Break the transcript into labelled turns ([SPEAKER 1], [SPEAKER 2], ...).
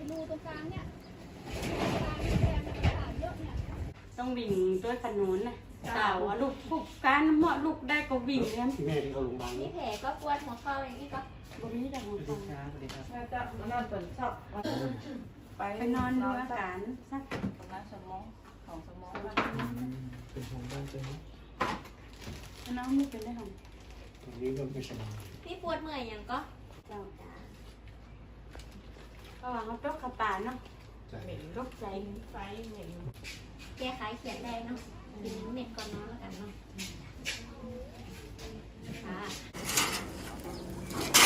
[SPEAKER 1] รูตรงกลางเนี่ยกลางแดงขาดเยอะเนี่ย
[SPEAKER 2] ต้องวิ่งด้วยขนุนนะสาวลูกปุกการเหมาะลูกได้ก็วิ่งเนี่ย
[SPEAKER 3] แม่ที่เขาโรงพยาบาล
[SPEAKER 1] นี่แผลก็ปวดหัวเข่าอย่างนี้ก็
[SPEAKER 2] บนนี้แต่หัวฟัง
[SPEAKER 4] จะนอนตื่นชอบ
[SPEAKER 2] ไปนอนดูอาการสัก
[SPEAKER 4] น้ำสมองของสมอง
[SPEAKER 3] เป็นของบ้านเจ้า
[SPEAKER 2] น้องไม่เป็นได้ของ
[SPEAKER 3] ตรงนี้ก็ไม่สบาย
[SPEAKER 1] พี่ปวดเมื่อยอย่างก็
[SPEAKER 2] เจ้าจ้าระหว่างเขาตกกระป่าเนาะ
[SPEAKER 4] เหม็น
[SPEAKER 2] ตกใจ
[SPEAKER 4] ไฟเหม็น
[SPEAKER 1] แก้ไขเขียนได้เนาะกินเม็ดก่อนนอนแล้วกันเนาะค่ะ